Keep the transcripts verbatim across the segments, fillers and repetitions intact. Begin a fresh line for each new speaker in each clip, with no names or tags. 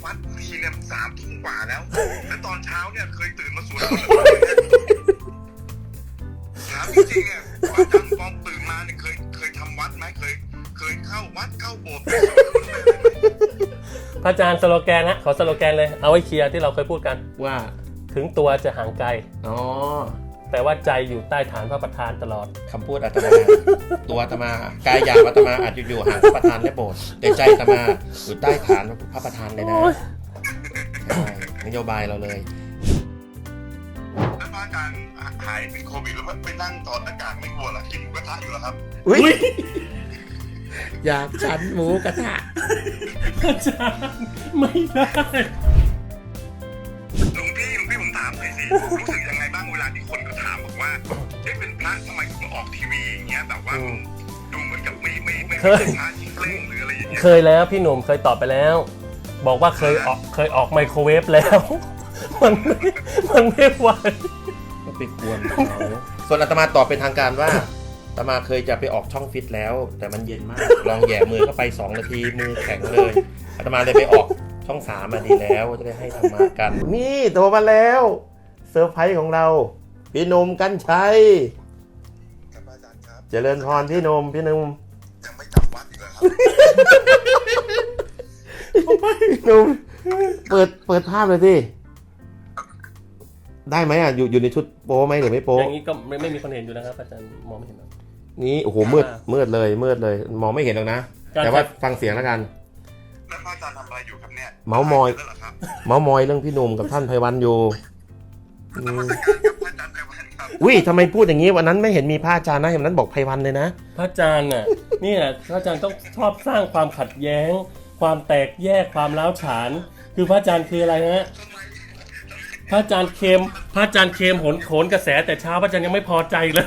วัดทีเนี่ยสามทุ่มกว่าแล้วแล้วตอนเช้าเนี่ยเคยตื่นมาสวดมนต์ถามจริงๆอ่ะอาจารย์ฟองตื่นมาเนี่ยเคยเคยทำวัดไหมเคยเคยเข้าวัดเข้าโบสถ์
พระอาจารย์สโลแกนนะขอสโลแกนเลยเอาไว้เคลียร์ที่เราเคยพูดกัน
ว่า
ถึงตัวจะห่างไกล
อ๋อ
แต่ว่าใจอยู่ใต้ฐานพระประธานตลอด
คำพูดอาตมาตัวอาตมากายหยาบอาตมาอาจจะอยู่ห่างพระประธานและโบสถ์แต่ใจอาตมาอยู่ใต้ฐานพระประธานเลยนะใช่นโยบายเราเลย
แล้วอาจารย์หายเป็นโควิดแล้วไปนั่งถอดหน้ากากไม่กลัวหรอกินหมูกระทะอยู่หรอครับ
อุ้ยอยากฉันหมูกระทะ
อาจารย์ไม่ได้
หลวงพี่หลวงพี่ผมถามหน่อยสิรู้สึกยังไงบ้างเวลาที่คนก็ถามบอกว่าเอ๊ะเป็นพระทำไมถึงออกทีวีอย่างเงี้ยแบบว่าดูเหมือนกับไม่ไม่ไม่เป็นพระที่เล่งหรืออะไรอย่างเงี้ย
เคยแล้วพี่หนุ่มเคยตอบไปแล้วบอกว่าเคยออกเคยออกไมโครเวฟแล้วมันไม่มันไม่ไหว
ก็ไปกวนเขาส่วนอาตมาตอบเป็นทางการว่าอาตมาเคยจะไปออกช่องฟิตแล้วแต่มันเย็นมากลองแหย่มือเข้าไปสองนาทีมือแข็งเลยอาตมาเลยไปออกช่องสามมาดีแล้วจะได้ให้ธรรมะกันนี่โทรมาแล้วเซอร์ไพรส์ของเราพี่หนุ่มกรรชัย
ครับอาจารย์ครับ
เจริญพรพี่หนุ่มพี่หนุ่ม
ยังไม่จำวัดอีกเหรอครับ
พี่หนุ่มเปิดเปิดภาพเลยสิได้ไหมอ่ะอยู่อยู่ในชุดโป๊ไหมหรือไม่โป๊
อย่างนี้ก็ไม่ไม่มีคนเห็นอยู่นะครับอาจารย์มองไม่เห็นหรอก
นี่โอ้โหมืดมืดเลยมืดเลยมองไม่เห็นหรอกนะแต่ว่าฟังเสียงแล้วกัน
แล้วอาจารย์ทำอะไรอยู่ครับเนี่ย
เมาส์มอยเมาส์มอยเรื่องพี่หนุ่มกับท่านไพวันอยู่อุ้ยทำไมพูดอย่างนี้วันนั้นไม่เห็นมีพระอาจารย์นะเห็นนั้นบอกไพวันเลยนะ
พระอาจารย์น่ะนี่แหละพระอาจารย์ต้องชอบสร้างความขัดแย้งความแตกแยกความร้าวฉานคือพระอาจารย์คืออะไรฮะพระอาจารย์เค็มพระอาจารย์เค็มโหนโขนกระแสแต่เช้าพระอาจารย์ยังไม่พอใจเลย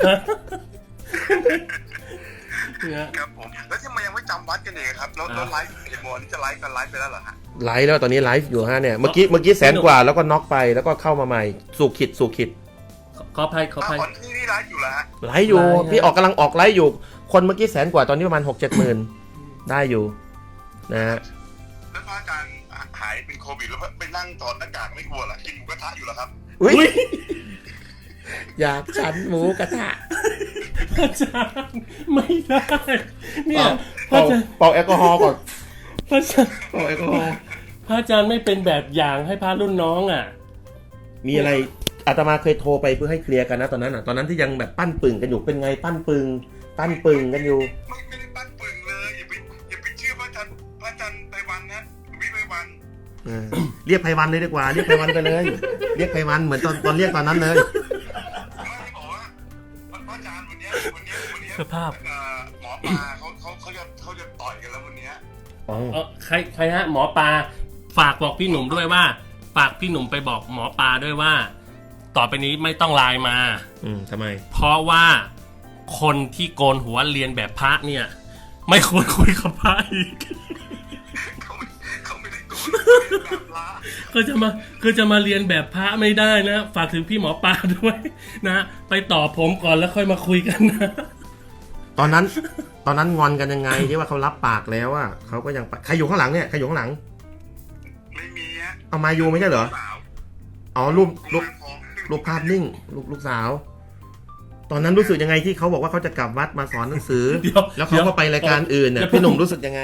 ครับผมแล้วทำไมยังไม่จำวัดกันเองครับแล้วไลฟ์เดี๋ยวโมนี่จะไลฟ์กันไลฟ์ไปแล้วเหรอฮะ
ไลฟ์แล้วตอนนี้ไลฟ์อยู่ฮะเนี่ยเมื่อกี้เมื่อกี้แสนกว่าแล้วก็น็อกไปแล้วก็เข้ามาใหม่สู่ขิดสู่ขิด
ขออภัยขออภัย
ที่นี่ไลฟ์อยู่แล้วฮะ
ไลฟ์อยู่พี่ออกกำลังออกไลฟ์อยู่คนเมื่อกี้แสนกว่าตอนนี้ประมาณหกเจ็ดหมื่นได้อยู่นะฮะ
แล้วอาจารย์หายเป็นโควิดแล้วไปนั่งถอดหน้ากากไม่กลัวหรอกินหมูกระทะอยู่หรอครับ
อุ้ยอยากฉันหมูกระทะ
อาจารย์ไม่ได้เนี่ย
เป่าเป่าแอลกอฮอล์ก่อน
พระอาจารย์
เป่าแอลกอฮอล์
พระอาจารย์ไม่เป็นแบบอย่างให้พระรุ่นน้องอ่ะ
มีอะไรอาตมาเคยโทรไปเพื่อให้เคลียร์กันนะตอนนั้นอ่ะตอนนั้นที่ยังแบบปั้นปึ่งกันอยู่เป็นไงปั้นปึ่งปั้นปึ่งกันอยู่
ไม่ไม่ได้ปั้นปึ่งเลยอย่าไปอย่าไปเชื่อพระอาจารย์พระอาจารย์ไพวันนะวิไพวัน
เรียกไพวันเลยดีกว่าเรียกไพวันไปเลยเรียกไพวันเหมือนตอนตอนเรียกตอนนั้นเลย
สภาพ
หมอปลาเขาเขาเขาจะเขาจะต่อยกันแล้ววันนี้
อ๋อใครใครฮะหมอปลาฝากบอกพี่หนุ่มด้วยว่าฝากพี่หนุ่มไปบอกหมอปลาด้วยว่าต่อไปนี้ไม่ต้องไลน์มา
อืมทำไม
เพราะว่าคนที่โกนหัวเรียนแบบพระเนี่ยไม่ควรคุยกับพระอีก
เขาเขาไม่ได้โกนแบบพระ
ก็จะมาก็จะมาเรียนแบบพระไม่ได้นะฝากถึงพี่หมอปลาด้วยนะไปต่อผมก่อนแล้วค่อยมาคุยกันนะ
ตอนนั้นตอนนั้นงอนกันยังไงที่ว่าเขารับปากแล้วอ่ะเขาก็ยังใครอยู่ข้างหลังเนี่ยใครอยู่ข้างหลัง
ไม่มีฮะ
เอามาอยู่ไม่ใช่เหรออ๋อรูปรูปรูปภาพนิ่งลูกลูกสาวตอนนั้นรู้สึกยังไงที่เขาบอกว่าเขาจะกลับวัดมาสอนหนังสือแล้วเขาก็ไปรายการอื่นเนี่ยพี่หนุ่มรู้สึกยังไง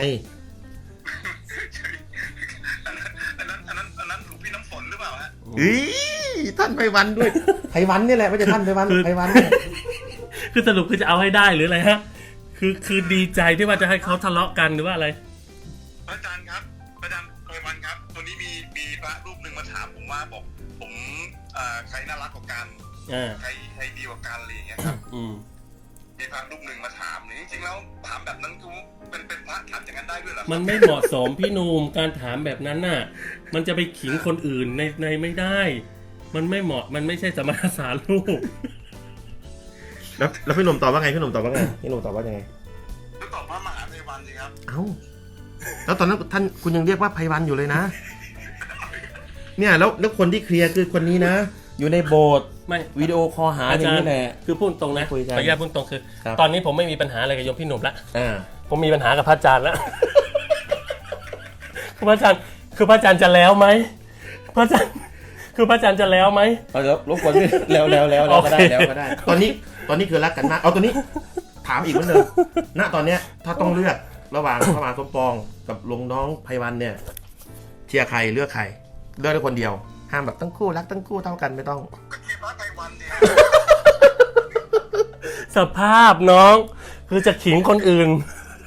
อันนั้นอันนั้นอันนั้นหลวงพี่น้ำฝนหรือเปล่าฮะ
อีท่านไพวันด้วยไพวันนี่แหละไม่ใช่ท่านไพวันไพวัน
คือสรุปคือจะเอาให้ได้หรืออะไรฮะคือคือดีใจที่ว่าจะให้เขาทะเลาะกันหรือว่าอะไร
อาจารย์ครับอาจารย์ไพวันครับตัวนี้มีมีพระรูปหนึ่งมาถามผมว่าบอกผมใครน่ารักกว่ากันใครใครดีกว่ากันอะไรอย่างเงี้ยครับมีพระรูปหนึ่งมาถามนี่จริงๆแล้วถามแบบนั้นคือเป็นเป็นพระถามอย่างนั้นได้ด้วยเหรอ
มันไม่เหมาะสมพี่หนุ่มการถามแบบนั้นน่ะมันจะไปขิงคนอื่นในในไม่ได้มันไม่เหมาะมันไม่ใช่สมณสารลูก
แล้วแล้วพี่หนุ่มตอบว่าไงพี่หนุ่มตอบว่าไงพี่หนุ่มตอบว่ายังไง
ก็ตอบว่ามหาไพวันสิครับ
เอ้าแล้วตอนนั้นท่านคุณยังเรียกว่าไพวันอยู่เลยนะเนี่ยแล้วแล้วคนที่เคลียร์คือคนนี้นะอยู่ในโบสถ์ไม่วิดีโอคอลหาอย่างนี้แหละ
คือพูดตรงนะขออนุญาตพูดตรงคือตอนนี้ผมไม่มีปัญหาอะไรกับโยมพี่หนุ่มละผมมีปัญหากับพระอาจารย์แล้วพระอาจารย์คือพระอาจารย์จะแล้วไหมพระอาจารย์คือพระอาจารย์จะแล้วไหม
เอาเดี๋ยวรบกวนพี่แล้วแล้วแล้วแล้วก็ได้
โอเค
แล้วก็ได้ ตอนนี้ตอนนี้คือรักกันมากเอาตัวนี้ถามอีกเหมือนเดิมณตอนเนี้ยถ้าต้องเลือกระหว่างพระมหาสมปองกับลุงน้องไพวันเนี่ยเชียร์ใครเลือกใครเลือกได้คนเดียวห้ามแบบทั้งคู่รักทั้งคู่เท่ากันไม่ต้อง
ก็ที่พระไพวันเนี่ย
สภาพน้องคือจะขิงคนอื่น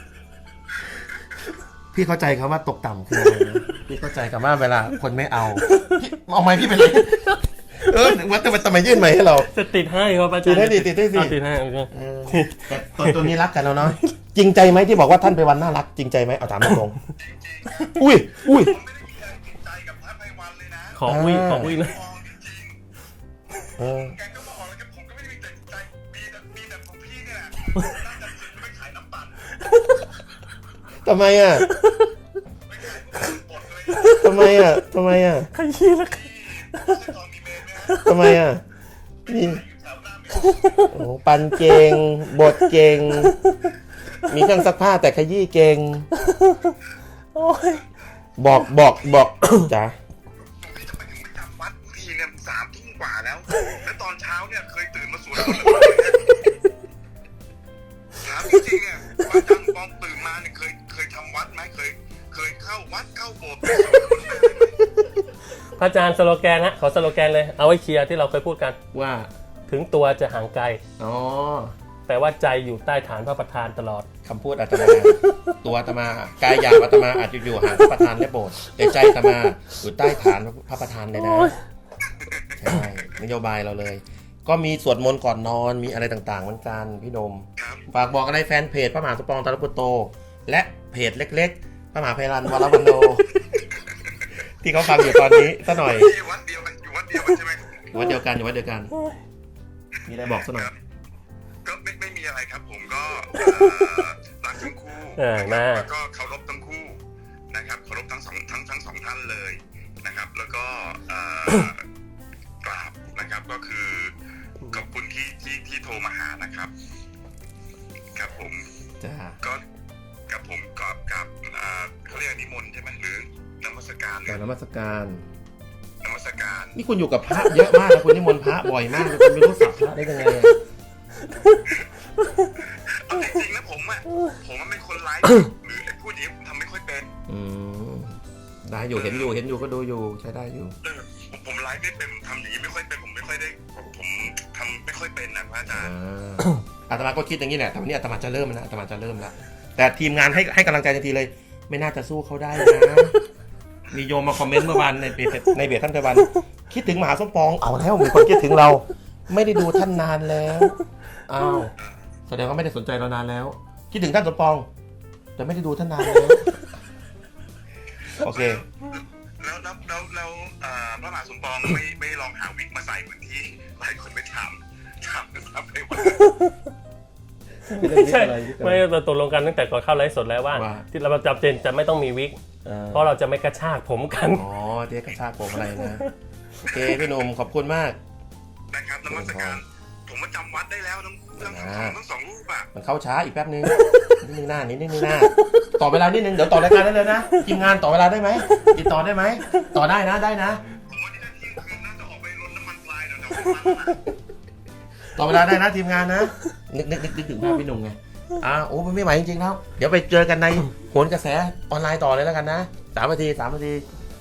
พี่เข้าใจคำว่าตกต่ำคืออะไรนะพี่เข้าใจคำว่าเวลาคนไม่เอาพี่เอาไม้พี่ไปเลยเออว่าแต่ทำไมยื่นไม้ให้เรา
จะติดให้ครับอาจารย์
ติดให้ดิติดให้สิ
เอาติดให้โอเค
เออแต่ตอนตัวนี้รักกันแล้วเนาะจริงใจไหมที่บอกว่าท่านไปวันน่ารักจริงใจไหมเอาถามตรง
จริงๆครับ
ๆอุ้ยอุ้ย
ผมไม่ได้มีอะไรติดใจกับพระไพวันเลยนะ
ขอวิ่งขอวิ่งเลย
มองจริง
เออ
ๆแกก็มาออกแล้วผมก็ไม่ได้มีแต่ใจมีแต่มีแต่ของพี่เนี่ยแหละน่าจะสิไปขายน้ำปั่น
ทำไมอ่ะ
ไปขายพวกบดเลย
ทำไมอ่ะทำไมอ่ะ
ขยี้แล้ว
พี่ไม่ใช่ตอนมีเมนนะ
ทำไมอ่ะนี่
อยู่แถวหน้าเมน
โอ้ปันเก่งบทเก่งมีเครื่องซักผ้าแต่ขยี้เก่ง
โอ้ย
บอกบอกบอก จ้ะ
พี่ทำไมถึงไม่จำวัดทีเนี่ยสามทุ่มกว่าแล้ว แล้วตอนเช้าเนี่ยเคยตื่นมาสวดมนต์หรือเปล่าถามจริงๆเนี่ยว่าอาจารย์ปองตื่นมาเนี่ยเคยเคยทำวัดไหมเคยเคยเข้าวัดเข้าโบสถ์ไปสวดมนต์ไหม
พระอาจารย์สโลแกนฮะขอสโลแกนเลยเอาไว้เคลียร์ที่เราเคยพูดกัน
ว่า
ถึงตัวจะห่างไกล
อ๋อ
แต่ว่าใจอยู่ใต้ฐานพระประธานตลอด
คำพูดอาตมา ตัวอาตมากายหยาบอาตมาอาจจะอยู่ห่างพระประธานและโบสถ์แต่ใจอาตมาอยู่ใต้ฐานพระประธานเลยนะ
โอ้ย
ใช่นโยบายเราเลย ก็มีสวดมนต์ก่อนนอนมีอะไรต่างๆเหมือนกันพี่นม
ครับ
ฝากบอกอะไรแฟนเพจพระมหาสมปองตาลปุตโต และเพจเล็กๆพระมหาไพรันวรวันโน ที่เขาฟังอยู่ตอนนี้ซะหน่อย
อยู่วัดเดียวกันอยู่วัดเดียวกันใช่ไหม
อยู่วัดเดียวกันอยู่วัดเดียวกัน มีอะไรบอกซะหน่อย
ก็ไม่ไม่มีอะไรครับผมก็เอ่อรักทั้งคู่
เออ
นะ
มา
ครับแล้วก็เคารพทั้งคู่นะครับเคารพทั้งสองทั้งทั้งสองท่านเลยนะครับ แล้วก็เอ่อกราบนะครับก็คือขอบคุณที่ที่ที่โทรมาหานะครับ ครับผม
จ้า
ก็กับผมกับกับอ่าเขาเรียกนิมนต์ใช่ไหมหรือนมัสการหรื
กา
อ
รนมัสการ
นมัสการ
นี่คุณอยู่กับพระเยอะมากนะคุณนิมนต์พระบ่อยมากเลยคุณไม่รู้สับพระได้ยังไงอะ
เอาจริงๆนะผมอ่ะผมมันเป็นคนไลฟ์หรือไอ้พูดอย่างนี้ผมทำไม่ค่อยเป็น
อืมได้อยู่เห็นอยู่เห็นอยู่ก็ดูอยู่ใช้ได้อยู่
เออผมผมไลฟ์ไม่เป็นผมทำอย่างนี้ไม่ค่อยเป็นผมไม่ค่อยได้ผมทำไม่ค่อยเป็นนะพระอาจารย์
อ่าอาตมาก็คิดอย่างนี้แหละแต่วันนี้อาตมาจะเริ่มแล้วอาตมาจะเริ่มแล้วแต่ทีมงานให้ให้กำลังใจทันทีเลย ไม่น่าจะสู้เขาได้นะมีโยมมาคอมเมนต์เมื่อวานในเพจในเพจท่านไพวันคิดถึงมหาสมปองเอาแล้วมีคนคิดถึงเรา ไม่ได้ดูท่านนานแล้วอ้าวแสดงว่าไม่ได้สนใจเรานานแล้ว คิดถึงท่านสมปอง แต่ไม่ได้ดูท่านนานแล้วโอเค
แล้วแล้วแล้วแล้วเอ่อพระมหาสมปองไม่ไม่ลองหาวิกมาใส่เหมือนที่หลายคนไปถามถามนะครับไปว่า
ไม่ใช่ไม่เราตกลงกันตั้งแต่ก่อนเข้าไลฟ์สดแล้วว่า
ว่า
ที่เราจำเป็นจะไม่ต้องมีวิก
เออ
เพราะเราจะไม่กระชากผมกัน
อ๋อเจ๊กระชากผมอะไรนะโอเคพี่หนุ่มขอบคุณมาก
นะครับนมัสการผมมาจำวัดได้แล้วทั้งทั้งสองทั้งสองรูปอ่ะ
มันเข้าช้าอีกแป๊บนึงนิดนึงหน้านิดนึงหน้าต่อเวลานิดนึงเดี๋ยวต่อรายการได้เลยนะทีมงานต่อเวลาได้ไหมติดต่อได้ไหมต่อได้นะได้นะ
ผมว่าที่นั่นเที่ยงคืนน่าจะออกไปรดน้ำมันพลายเดี๋ยวเดี๋ยว
ต่อเวลาได้นะทีมงานนะนึกนึกนึกนึกถึงภาพพี่หนุ่มไงอ่าโอ้มันไม่ไหวจริงๆแล้วเดี๋ยวไปเจอกันในโหนกระแสออนไลน์ต่อเลยแล้วกันนะสามนาทีสามนาที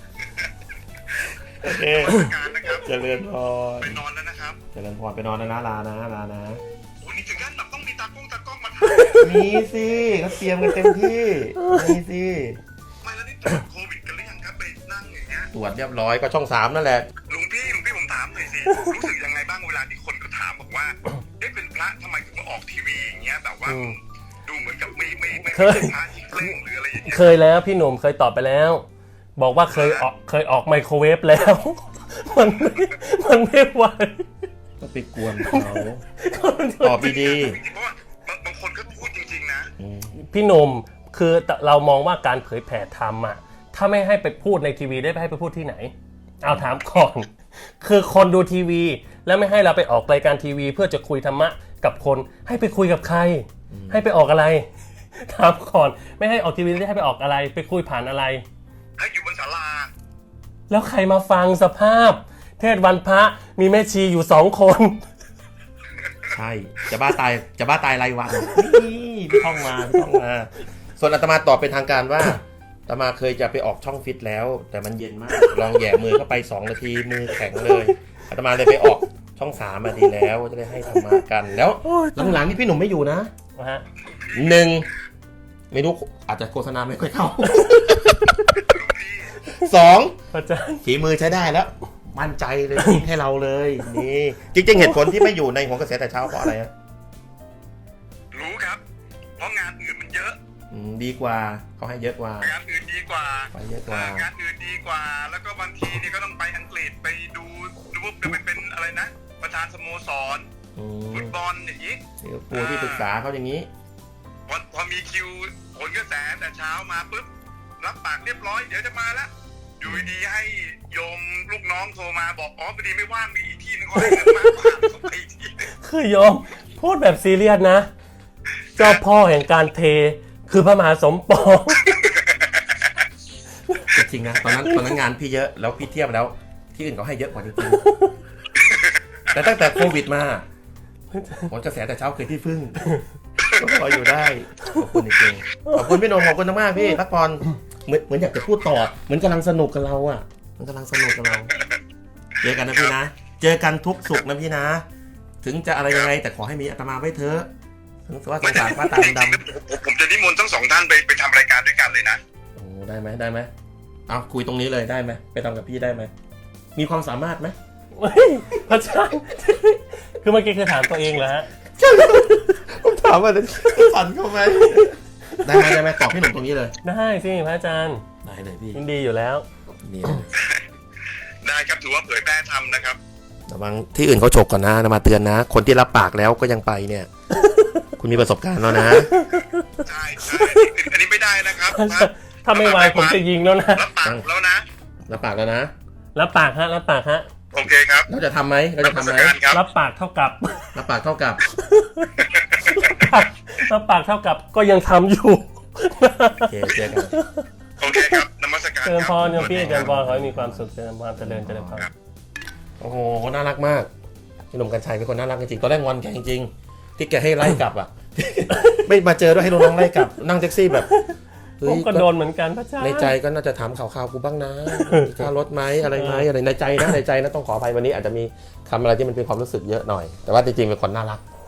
โอเคน
มัสการนะครับ
เจริญพร
ไปนอนแล้วนะครับ
เจริญพรไปนอนนะนะลานะลานะ
โอ้นี่ถึงขั้นแบบต้องมีตากล้องตากล้องมาถ่าย
มีสิเขาเตรียมกันเต็มที่มีสิ
ไม่แล้วนี่ตรวจโควิดกันหรือยังครับไปนั่งอย่างเงี้ย
ตรวจเรียบร้อยก็ช่องสามนั่นแหละ
หลวงพี่หลวงพี่ผมถามหน่อยสิรู้สึกยังไงบ้างเวลาที่คนก็ถามบอกว่าเอ๊ะเป็นพระทำไมถึงมาออกทีวีอย่างเงี้ยแบบว่า
อืม
ดูเหมือนกับไม่ไม่ไม่
เคย
เป็นพระที่เคร่งหรืออะไรอย่างเงี้ย
เคยแล้วพี่หนุ่มเคยตอบไปแล้ว บอกว่าเคยออกเคยออกไมโครเวฟแล้ว มันไม่มันไม่ไหว
ก็ไปกวนเขาตอบดี
จริงๆเพราะว่าบางบางคนก็พูดจริงๆนะ
ๆอืม
พี่หนุ่มคือเรามองว่าการเผยแผ่ธรรมอ่ะถ้าไม่ให้ไปพูดในทีวีได้ไปให้ไปพูดที่ไหน เอาถามก่อน คือคนดูทีวี แล้วไม่ให้เราไปออกรายการทีวี เพื่อจะคุยธรรมะกับคนให้ไปคุยกับใคร ให้ไปออกอะไร ถามก่อนไม่ให้ออกทีวีได้ให้ไปออกอะไร ไปคุยผ่านอะไร
ให้อยู่บนศาลา
แล้วใครมาฟังสภาพ เทศวันพระมีแม่ชีอยู่สองคน
ใช่จะบ้าตายจะบ้าตายรายวันนี่พี่ท่องมาพี่ท่องมาส่วนอาตมาตอบเป็นทางการว่าอาตมาเคยจะไปออกช่องฟิตแล้ว แต่มันเย็นมากลองแหย่มือเข้าไปสองนาทีมือแข็งเลยอาตมาเลยไปออกช่องสามมาดีแล้วจะได้ให้ธรรมะกันแล้วหลังๆนี่พี่หนุ่มไม่อยู่นะหนึ่งไม่รู้อาจจะโฆษณาไม่ค่อยเข้าสองฝีมือใช้ได้แล้วมั่นใจเลยให้เราเลยนี่จริงๆเหตุผลที่ไม่อยู่ในหัวกระแสแต่เช้าเพราะอะไรฮะ
รู้ครับเพราะงานอื่นมันเยอะ
ดีกว่าเขาให้เยอะกว่าง
านอื่นดีกว่า
ไปเยอะกว่าง
านอื่นดีกว่าแล้วก็บางทีนี่ก็ต้องไปอังกฤษไปดูดูเป็นเป็นอะไรนะประธานสโมสรฟุตบอลอย่างนี้
ปูที่ปรึกษาเขาอย่างนี้
พอพอมีคิวผลกระแสแต่เช้ามาปุ๊บรับปากเรียบร้อยเดี๋ยวจะมาแล้วอยู่ดีให้โยมลูกน้องโทรมาบอกอ๋อพอดีไม่ว่างมีอีกที่นึงก็ให้เงินมาผ่านเขาไปอีกที่
คือโยมพูดแบบซีเรียสนะเจ้าพ่อแห่งการเทคือพระมหาสมปอง
จริงนะตอนนั้นตอนนั้นงานพี่เยอะแล้วพี่เทียบแล้วที่อื่นเขาให้เยอะกว่าจริงๆแต่ตั้งแต่โควิดมาผลกระแสแต่เช้าเคยที่พึ่งก็พออยู่ได้ขอบคุณจริงๆขอบคุณพี่นนท์ขอบคุณมากพี่พักผ่อนเหมือนเหมือนอยากจะพูดต่อเหมือนกำลังสนุกกับเราอ่ะมันกำลังสนุกกับเราเจอกันนะพี่นะเจอกันทุกสุขนะพี่นะถึงจะอะไรยังไงแต่ขอให้มีอาตมาไว้เถอะถึงว่าสงสารป้าตาดำ
ผมจะนิมนต์ทั้งสองท่านไปไปทำรายการด้วยกันเลยนะ
โอ้ได้ไหมได้ไหมเอาคุยตรงนี้เลยได้ไหมไปทำกับพี่ได้ไหมมีความสามารถไหม
พระเจ้าคือเมื่อกี้คือถามตัวเองเหรอฮะ
ผมถามว่าสั่นเข้าไหมได้ไหมได้ไหมตอบพี่หนุ่มตรงนี้เลย
ได้สิพระอาจารย์
ได้เลยพี่
ยินดีอยู่แล้ว
นี่
ได้ครับถือว่าเผยแพร่ทำนะครับ
ระวังที่อื่นเขาฉกก่อนนะมาเตือนนะคนที่รับปากแล้วก็ยังไปเนี่ยคุณมีประสบการณ์แล้วนะ
ใช่ใช่อันนี้ไม่ได้นะครับ
ถ้าไม่ไหวผมจะยิงแล้วนะ
รับปากแล้วนะ
รับปากแล้วนะ
รับปากฮะรับปากฮะ
โอเคครับ
เราจะทำไหมเราจะทำไหม
รับปากเท่ากับ
รับปากเท่ากับ
รับปากเท่ากับก็ยังทำอยู่
โอเคเจอกัน
โอเคครับนมัสการ
เจริญพรโยมพี่เจริญพรขอให้มีความสุขเจริญพรเจริญเจริญพร
โอ้โหน่ารักมากพี่หนุ่มกรรชัยเป็นคนน่ารักจริงๆตอนแรกงอนแกจริงๆที่แกให้ไล่กลับอ่ะไม่มาเจอด้วยให้น้องๆไล่กลับนั่งแท็กซี่แบบ
ผมก็โดนเหมือนกันพระเจ้า
ในใจก็น่าจะถามข่าวๆกูบ้างนะค่ารถไหมอะไรไหมอะไรในใจนะในใจนะต้องขออภัยวันนี้อาจจะมีคำอะไรที่มันเป็นความรู้สึกเยอะหน่อยแต่ว่าจริงๆเป็นคนน่ารัก